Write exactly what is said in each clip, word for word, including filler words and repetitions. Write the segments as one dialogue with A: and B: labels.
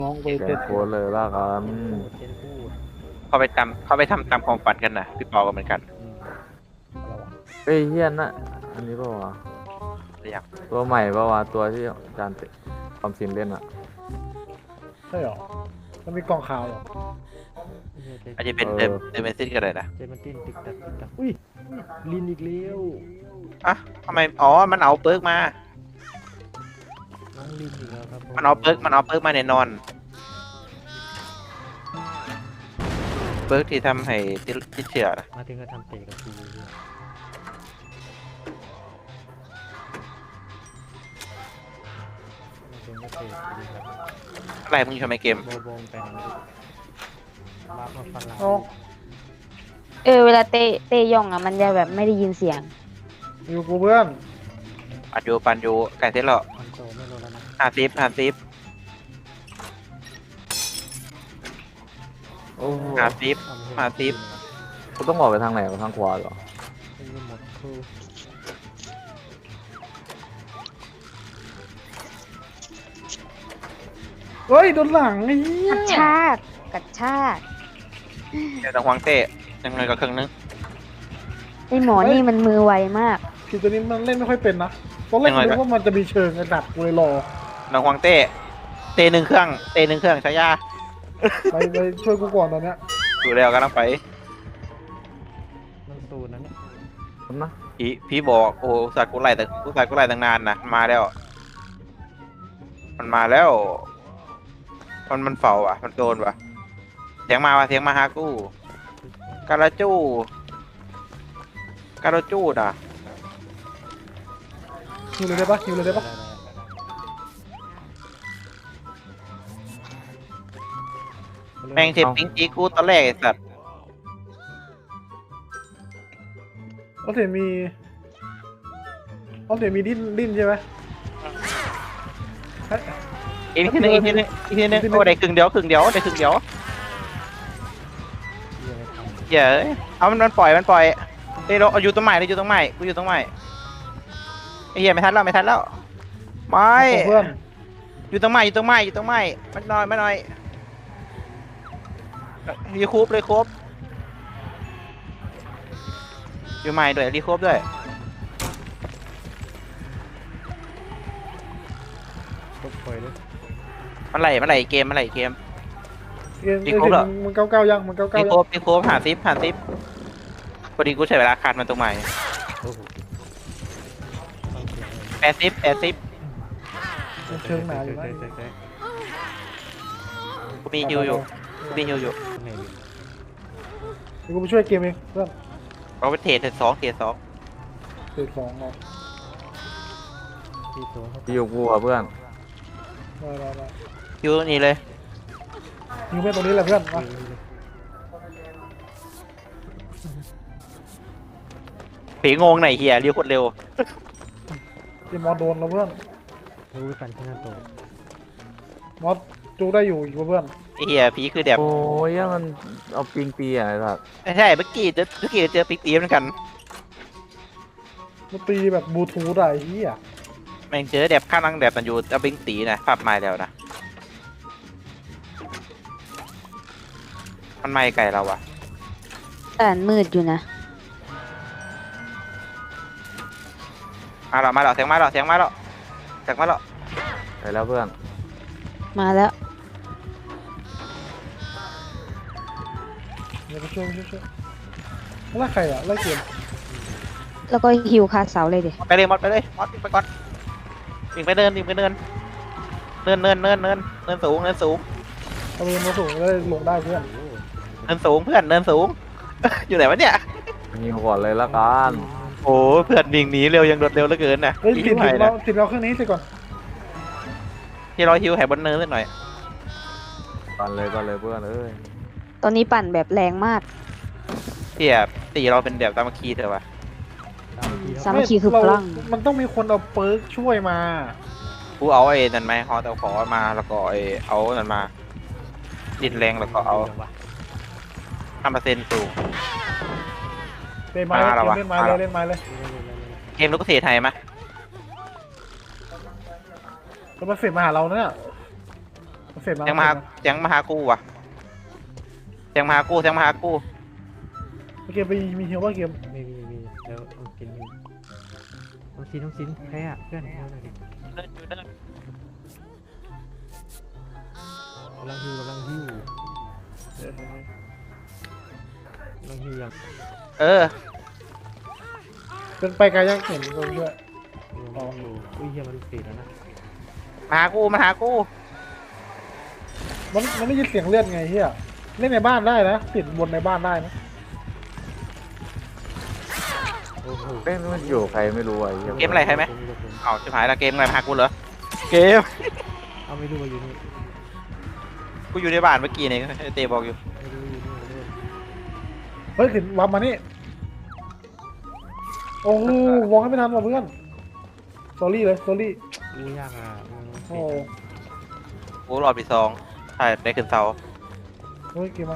A: น้องไป
B: แก
A: เป็น
B: โค้ดเลยละกัน
C: เจนพูด
D: เขาไปทำเขาไปทำตามความฝันกันนะพี่ปอก็เหมือนกัน
C: อืม
A: อะไรวะ
B: เฮ้ยเฮียนนะอันนี้ป่าวะ
D: หรือยัง
B: ตัวใหม่ป่าวะตัวที่อาจารย์ความสินเล่นอะ
A: ใช่หรอมันมีกล่องขาวเหรอ
D: อาจจะเป็นเดิมเดิมเมนซิสก็ได้นะ
C: เจนมันติ้นติ๊กตักติ๊กตักอุ้ยลินอีกแล้ว
D: อ่ะทำไมอ๋อมันเอาเปิร์กมา
C: น้องลินอีกแล้วครับ
D: มันเอาเปิร์กมันเอาเปิร์กมาแน่นอนเปิร์กที่ทำให้ติดติดเชื้อนะ
C: มาถึงก็ทำเตะกับกูเลยมาถึงก็เตะกูดีครับ
D: อะไรมึงอยู่ทำไมเกม
C: โบโบงไปไหนรับมาฟันหลัง
A: เอ้า
E: เออเวลาเตะเตะย่องอ่ะมันจะแบบไม่ได้ยินเสียง
A: อยู่กูเพื่อน
D: ปันยูปันยูไก่เสร็จแล้ว
C: คอนโซลไม่รู้แล้วนะ
D: ห้าสิบห้าสิบ
B: โอ้โห
D: ห้าสิบ
C: ทำให้
D: ห้าสิบ
B: กูต้องออกไปทางไหนวะทางขวาเหรอ
C: เป็นหมดครู
A: เฮ้ยโดนหลังไอ้เหี้ย
E: กระชากกระชาก
D: เดี๋ยวต้องวางเต้ยังไงก็ครึ่งนึง
E: ไอหมอนี่มันมือไวมาก
A: คือตัวนี้มันเล่นไม่ค่อยเป็นนะตอนแรก
D: ยังไง
A: นึกว่ามันจะมีเชิงไอ้ดัดกูเลยรอ
D: น้องวางเต้เต้หนึ่งเครื่องเต้หนึ่งเครื่องใช้ยา
A: ไปไปช่วยกูก่อนตอนเนี้ย
D: ดูแล้วก็ต้องไป
C: น้องตูนนั้นเนี่ย
B: คุณนะ
D: พี่พี่บอกโอ้สัตว์กูไล่แต่กูสัตว์กูไล่ตั้งนานนะมาแล้ว มันมาแล้ว มันมันเฝ้าอ่ะ มันโดนว่ะเสียงมาว่ะเสียงมาหากูการาจูการาจูน่ะ
A: ฮิวเลยได้ปะฮิวเลยได้ปะ
D: แม่งเทปปิ้งจีกูตอนแรกไอ้สัตว์
A: เขาเสียมีเขาเสียมีดิ้นดิ้นใช่ไหมเฮ้ย
D: อีกทีนึงอีกทีนึงอีกทีนึงโอ้ได้ครึ่งเดียวครึ่งเดียวได้ครึ่งเดียว
C: เหี้ยอะไรทำ
D: เหี้ยเอ้ยเอามันมันปล่อยมันปล่อยเฮ้ยเราเอาอยู่ตรงใหม่เลยอยู่ตรงใหม่กูอยู่ตรงใหม่ไอ้เหี้ยไม่ทันแล้วไม่ทันแล้วไม่
A: เพื่อน
D: อยู่ตรงใหม่อยู่ตรงใหม่อยู่ตรงใหม่มันน้อยมันน้อยรีคูปเลยครบอยู่ใหม่ด้วยรีคูปด้วย
C: ตบปล่อยเลย
D: มันไหลมันไหลเกมมันไหลเกม
A: เกม
D: อี
A: เอ้
D: กครบเหรอ
A: ยมันเก้าเก้ายังมันเก้าเก้า
D: รี
A: ยัง
D: คูปรีคูปหาซิปหาซิปพอดีกูใช้เวลาคัดมันตรงใหม่
C: โอ้โหต้องเสียงเลย
D: แปดซิปแปดซิป
A: มันเชิงหนาอยู่นะ
C: เตะเตะ
D: กูมีฮิวอยู่กูมีฮิวอยู่
C: เตะไหนดิ
A: เดี๋ยวกูไปช่วยเกมเองเพื่อน
D: เราไปเทรดเทรดสองเทรดสอง
A: เตะสองเนาะ
C: ที่ตัวเขา
B: ที่อยู่กูอะเพื่อน
A: ได้ได้ได้
D: ฮิวนี่เลย
A: ฮิวเพื่อนตรงนี้แหละเพื่อนมา
D: ผีงงไหนเฮียเรียวโคตรเร็ว
A: เกมมอสโดนแล้วเพื่อน
C: รู้ไปปั่นที่หน้าโต๊ะ
A: มอสจูได้อยู่อยู่เพื่อน
D: ไอ้เฮียผีคือแบบ
B: โอ้ยยังมันเอาปิงปีอะไอ้สัส
D: ไม่ใช่เมื่อกี้เจอเมื่อกี้เจอปิ๊กตีเหมือนกัน
A: มันตีแบบบลูทูธอะไอ้เหี้ย
D: แม่งเจอแบบข้างนั่งแบบมันอยู่เอาปิ๊กตีนะปรับไม้แล้วนะมันไม่ไกลเราอะ
E: แต่อันมืดอยู่นะ
D: มาแล้วมาแล้วเสียงมาแล้วเสียงมาแล้วเสียงมาแล้ว
B: ไปแล้วเพื่อน
E: มาแล้ว
A: เดี๋ยวไปช่วยไปช่วยช่วยไล่ใครอะไล่เกม
E: แล้วก็ฮิวคาเสาเลยดิ
D: ไปเลยมอดไปเลยมอดไปก่อนวิ่งไปเดินวิ่งไปเดินเนินเนินเนินเนินเนินสูงเนินสูง
A: เอาเรือมาสูงได้ลงได้เพื่อน
D: เนินสูงเพื่อนเนินสูง อยู่ไหนวะเนี่ย
B: ยิงก่อนเลยละกัน
D: โอ้เพื่อนวิ่งหนีเร็วยังรวดเร็วเหลือเกินนะ
A: เฮ้ย
D: อีก
A: ติด
D: หน่
A: ติ
D: อย
A: ดเรา
D: นะ
A: ติดเราเครื่องนี้สิก่อน
D: ที่เราฮิวแหบนเนินนิดหน่อย
B: ก่อนเลยก่อนเลยเพื่อนเอ้ย
E: ตอนนี้ปั่นแบบแรงมาก
D: ที่แบบตีเราเป็นแบบตามคีเถอะวะ
C: ตามที่
E: สามัคคีคือพลัง
A: เรามันต้องมีคนเอาเปิร์กช่วยมา
D: กูเอาไอ้นั่นไหมฮอตเอาขอมาแล้วก็ไอ้เอานั่นมาดินแรงแล้วก็เอาห้าเปอร์เซ็นต์สูง
A: เล่นไม้เลย
D: มาแล้ววะ
A: เล่นไม้เลยเล่นไม้เลย
D: เกมลูกเสียไทยไหม
A: แล้วมาเสร็จมาหาเราเนี่ย
D: เ
A: เสร็จแล้ว
D: เสียงมาหาเสียงมาหากูว่ะเสียงมาหากูเสียงมาหากู
A: เกมไปมีเฮียว่าเกม
C: ไม่มีมีแล้วต้องกินมีต้องซินต้องซินแพ้อะเพื่อนเอาหน่อยดิ
D: เดินอยู่เดิน
C: กำลังฮิวกำลังฮิวกำลังฮิวยัง
D: เออ
A: เป็นไปไกลยังเห็นคนด้วย
C: กำลังฮิวอุ้ยเฮียมันเสียแล้วนะ
D: มาหากูมาหากู
A: มันมันได้ยินเสียงเลือดไงเฮียเล่นในบ้านได้นะติดบนในบ้านได้นะ
C: โอ้โห
B: เอ้ยมันอยู่ใครไม่รู้อ่ะไอ้เหี้ย
D: เกมอะไรใครไหมเอาชิบหายละเกมอะไรมาหากูเหรอเกม
C: เอาไม่รู้ว่าอยู่นี่
D: กูอยู่ในบ้านเมื่อกี้นี่ไอ้เตบอกอยู่
C: ไม่รู้อยู่นี่ไม่รู้
A: เฮ้ยถึงวับมานี่โอ้โหวองให้ไม่ทันว่ะเพื่อนสอรี่เลยสอรี่
C: รู้ยากอ่ะมัน
A: โอ้
D: กูรอบที่สองใช่ได้ขึ้นเสา
A: เฮ้ยเกมมา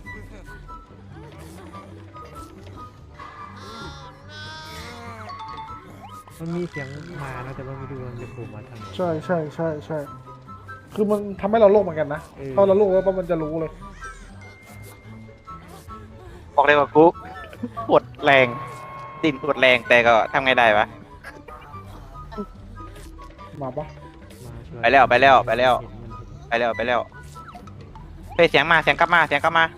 C: มันมีเสียงมานะแต่ว่าไม่รู้ว่ามันจะโผล่มาทางไหน
A: ใช่ใช่ใช่ใช่คือมันทำให้เราโลกเหมือนกันนะ
C: เออ
A: พอเราโลกแล้วปั๊บมันจะรู้เลย
D: บอกเลยว่ากูปวดแรงดิ้นปวดแรงแต่ก็ทำไงได้วะ
A: มาปะ
C: มาช่วย
D: ไปแล้วไปแล้วไปแล้ว
C: เห็นมันเห็น
D: ไปแล้วไปแล้วเฮ้ยเสียงมาเสียงกลับมาเสียงกลับมา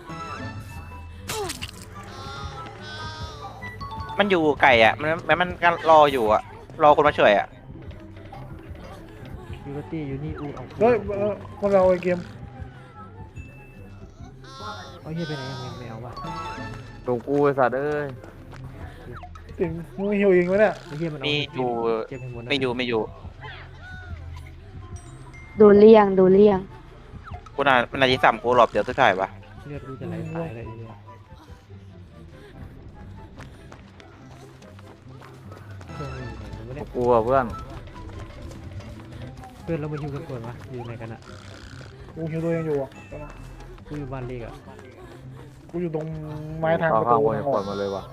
D: มันอยู่ไก่อ่ะมันมันมันก็รออยู่อ่ะรอคนมาช่วยอ่ะ
C: ยูโรตี้อยู่นี่อูเอา
A: เฮ้ยเออมันเราไอเกม
C: เอาเฮียไปไหนยังไม่เอาวะ
B: ตรงกูไอ้สัตว์เอ้ย
A: ติงมึงฮิวเองไหมเนี่ย
C: ไอ้เฮียมันเอา
D: มีอยู่
C: เก็บให้หมดนะ
D: ไม่อยู่ไม่อยู่
E: ดูเลี่ยงดูเลี่ยง
D: กูน่ามันน่าจะซ้ำกูรอบเดียวสุดท้ายปะ
C: เลือดกูจะไหลตายเลยไอ้เฮียเครื่องมันอยู่ไหนวะเนี่ย
B: กูอ่ะเพื่อน
C: เพื่อนเรามาฮิวกันก่อนวะอยู่ไหนกันอะ
A: กูฮิวตัวเองอยู่อ่ะ
C: กูอยู่บ้านเล็กอะ
A: กูอยู่ตรงไม้ทาง
B: ข้า
A: ประ
B: ข้าง
A: ตู
B: บน
A: ทา
B: ยัง
A: งอ
B: ป
A: อ
B: ล่อก ยมาเลยว่ะ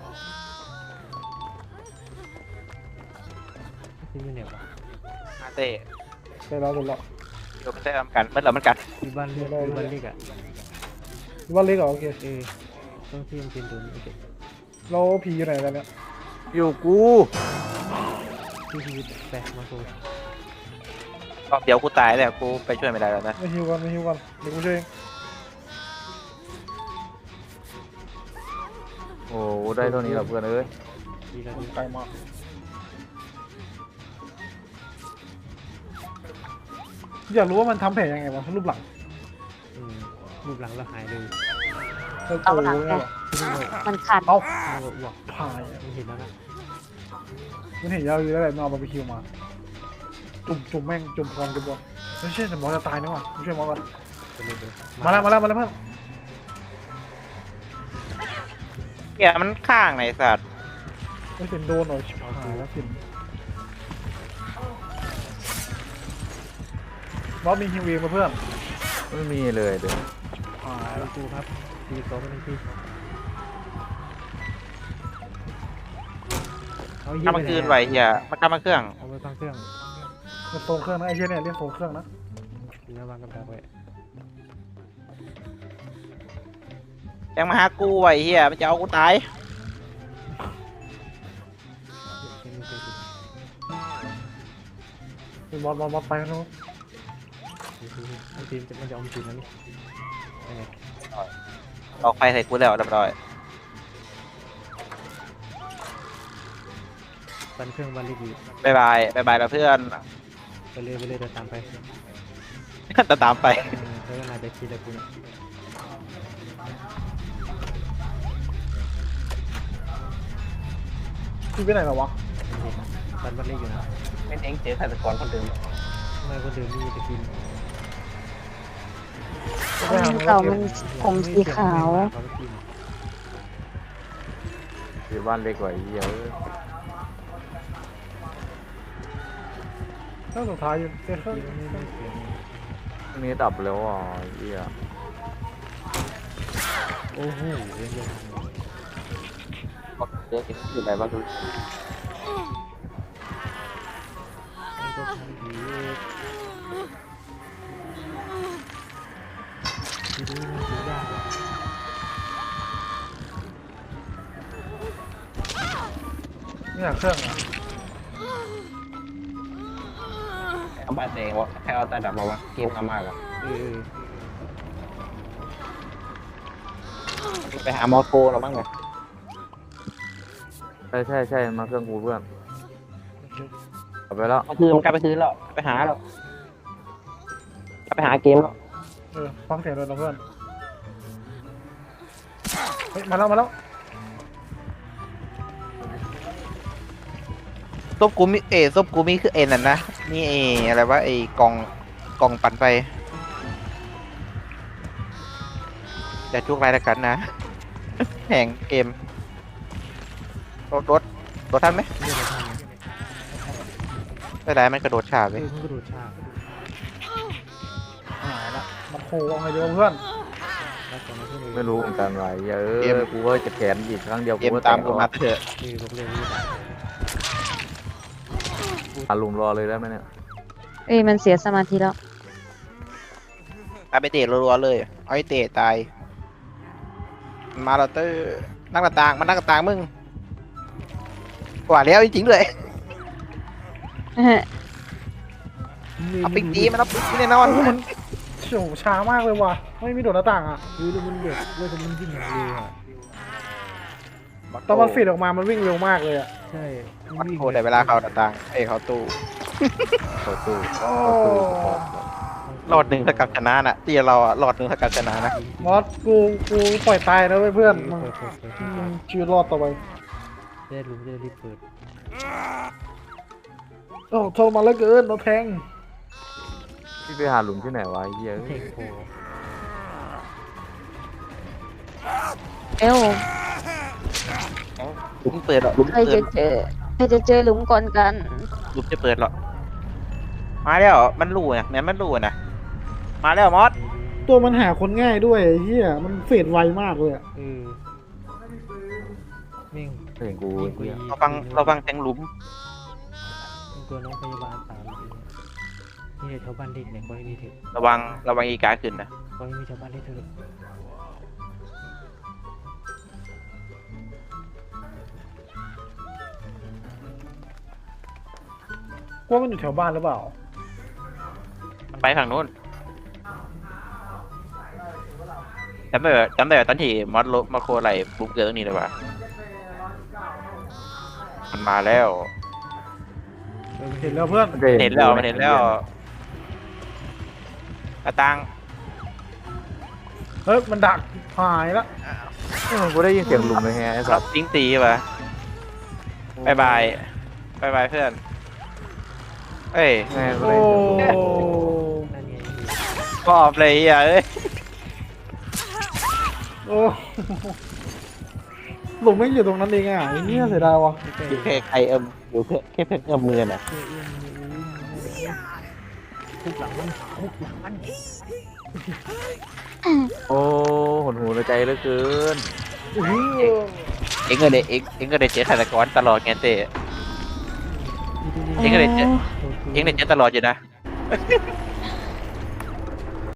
C: ที่อยู่ไหนวะ
D: มาเต้
A: ไปแล้วหมดแล้ว
D: เดี๋ยวมันจะทำกันเมื่อเรามันกัน
C: อยู่บ้านเล็กอยู่บ้านเล็กอะ
A: ว่าเล็กเหรอโอเค
C: เออต้องที่มันเป็นตัวนี้โอเค
A: เราผีอยู่ไหนกันเนี่ย
B: อยู่กู
C: ที่ชีวิตแปะมาโซ่
D: รอบเดียวกูตายแล้วกูไปช่วยไม่ได้แล้วนะ
A: ไม่ฮิวกันไม่ฮิวกันเดี๋ยวกูช่วยเอง
B: โอ้โหได้เท่านี้แหละเพื่อนเอ้ย
C: ดีแล้วดี
A: ไกลมากอยากรู้ว่ามันทำแผลยังไงวะรูปหลัง
C: อืมรูปหลังเราหายเลย
A: เออ
E: เอาหลัง
A: โอ้โห
E: ไง
C: ที่นี่เรา
E: มันขัด
A: เอา
C: เราอ้วก
A: พายอะ
C: มันเห็นแล้วนะ
A: มันเห็นยาวอยู่แล้วแหละมันเอาบาร์บีคิวมา จุ่มจุ่มแม่งจุ่มพร้อมจุ่มบอลไม่ใช่แต่หมอจะตายนะว่ะกูช่วยหมอก่อน
C: ไปเลยเลย
A: มาแล้วมาแล้วมาแล้วเพื่อน
D: เกียมันข้างไหนสัตว์
A: ไม่เป็นโดนหน่อยชิบหายแล้วสินรอบมีฮิวเองมาเพื่อน
B: ไม่มีเลยเดี๋ยว
A: หาย
C: ไปดูครับดีสองเป็นที่เอาเยี่ย
D: ทำมาคืนไหวเฮียมันทำมาเครื่อง
C: เอาไว้ฟังเครื่อง
A: เป็นโซนเครื่องนะไอ้เชี่ยเนี่ยเรียกโซนเครื่องนะ
C: อยู่หน้าวางกับดักไว้
D: ยังมาหากูไหวเฮียมันจะเอากูตาย
C: เดี๋ยวเดี๋ยวเดี๋ยว
A: เป็นบอลบอลบอลไปแล้ว
C: เดี๋ยวเดี๋ยวมันทีมจะมันจะเอาทีมแล้วนี่ยังไง
D: ออกไฟใส่กูแล้วเรียบร้อย
C: ปันเครื่องบันเล็กอยู่
D: บายบายบายบายแล้วเพื่อน
C: ไปเลยไปเลยเดินตามไป
D: จะตามไป
C: เออเธอก็น่าจะคิดแล้วกูเนี่ย
A: พี่ไปไหนเหรอวะ
C: ปันบันเล็กอยู่นะ
D: เป็นเองเจอฆาตกรคนเดิม
C: ทำไมคนเดิมมีจะกิน
A: ไปหา
E: เก่า
A: เก็
E: มั
A: บ
E: นผมสีขาว
C: เขาไม่กิน
B: อยู่บ้านเล็กกว่าไอ้เหี้ยเอ้ย
A: เครื่องสุดท้ายอยู่เครื่อง
C: กินไม่ได้เสียง
B: อันนี้ดับแล้วอ่ะไอ้เหี้ย
C: โอ้โหเรื่องเยอะ
D: เจออยู่ไหนบ้างดู
C: มันก็ทำดีทีนี้มันถือยากว่ะ
A: เนี่ยเครื่องอ่ะ
F: เอาบ้านเองวะแค่เอาแต่ดับมาวะเกมมามากอะ
C: เออ
F: ไปหาหมอโทรเราบ้างไง
B: ใช่ใช่ใช่มาเครื่องกูเพื่อน
A: โอเค
B: เอาไปแล้ว
F: ก็คือมันกลับไปซื้อแล้วไปหาแล้วกลับไปหาเกมแล้ว
A: เออฟังเสียงเลยนะเพื่อนเฮ้ยมาแล้วมาแล้ว
D: ซบกูมีเอซบกูมีคือเอ็นน่ะนะนี่เออะไรวะไอกล่องกล่องปั่นไฟอย่าจุกไรละกันนะ แห่งเกมรถรถรถทันไหม
C: เรียกอะไรทัน
D: ไม่ได้มันกระโดดฉาบ
C: เอ
D: เลย
C: อมันกระโดดฉาก
A: หายละมันโคเอาไงดีวะเพื่อน
C: แล้วตอนนั้นเพื่อน
B: ไม่รู้เหมือนกันว่าเออกูก็จะแขนอีกครั้งเดียว
D: เก
B: กู
D: ม
B: ก็
D: ตาม
B: แตก
D: กูมาเถอะ
C: เออบอกเลยว่า
B: อาลุมรอเลยได้ไหมเนี่ย
E: เอ้ยมันเสียสมาธิแล้ว
D: เอาไปเตะรัวๆเลยเอาไอ้เตะตายมันมาแล้วเตอร์นั่งกระตางมันนั่งกระตางมึงกว่าแล้วจริงๆเลยเอาปิกตีมันเอาปิกตีแน่นอน
A: โอ้โหมันเฉียวช้ามากเลยว่ะไม่มีโดดหน้าต่างอ่ะ
C: เออแล้วมันเด็กแล้วมันวิ่งอย่างเร็วอ่ะ
A: ตอนมันฟีดออกมามันวิ่งเร็วมากเลยอ่ะ
C: ใช่
D: มันโคตรแต่เวลาเขากระตางเอ้ยเขาตู้
B: เข้าตู้
A: โอ้
B: เข้าตู้
D: รอดหนึ่งเท่ากับชนะน่ะที่เราอะรอดหนึ่งเท่ากับชนะนะ
A: มอสกูกูปล่อยตายนะเว้ยเพื่อนมึง
C: เปิดเปิดเปิด
A: มึงชีวิตรอดต่อไป
C: ได้รู้จะรีบเปิด
A: โอ้ทรมานเหลือเกินโดนแทง
B: พี่ไปหาหลุมที่ไหนวะไอ้เหี้ย
C: เพลงโผล่
E: เอ้ว
D: ลุมเปิดหรอลุม
E: ใคร
D: เปิ
E: จะ
D: ด
E: เจอใครจะเจอหลุมก่อนกัน
D: ลุมจะเปิดหรอมาแล้วมันรู้นะแม้มันรู้นะมาแล้วมอส
A: ตัวมันหาคนง่ายด้วยไอ้เฮียมันเฟดไวมากเลยอะ
C: เออแม่ง
B: เพลงกู
C: ยิ่งกว่า
B: เหี้ย
D: เราฟังเราฟังเสียงหลุม
C: เป็นตัวน้องพยาบาลตามนี่เลยแถวบ้านเด็กเนี่ยขอให้มีเถอะ
D: ระวังระวังอีกาขึ้นนะ
C: ขอให้มีชาวบ้านได้เถอะ
A: กว่ามันอยู่แถวบ้านหรือเปล่า
D: ไปฝั่งนู้นจำได้แบบจำได้แบบตอนที่มอสลบมาโคไหลบุกเกิดตรงนี้เลยว่ะมันมาแล้ว
A: เห็นแล้วเพื่อน
B: มันจะ
D: เห็นแล้วมันเห็นแล้วกระตัง
A: เฮ้ยมันดักหายละ
B: เออกูได้ยินเสียงหลุมเลยแฮะไอ้สั
D: รั
B: ต
D: บ
B: ว์
D: ทิ้งตีป่ะบายบายบายบายเพื่อนเอ้ย
B: แม่งกู
A: โอ้
B: ได้ยินเสียงหลุม
C: นั่นไง
D: ปอบเลยอ่ะเอ้ย
A: โอ้หลุมไม่งอยู่ตรงนั้นเองอ่ะไอ้เนี่ยเสียดายวะ
D: อยู่แค่ใครเอิมอยู่แค่แค่เพิ่งเอิมมือน่ะ
C: เอื้อเอื้อทุกหลังมันทุกหลังมัน
B: โอ้หดหูในใจเหลือเกิน
A: อื้อ
D: เอ็งก็ได้เอ็งเอ็งก็ได้เจอฆาตกรตลอดไงเต้ เอ็งก็เลยเจอ เอ็งได้เจอตลอดอยู่นะ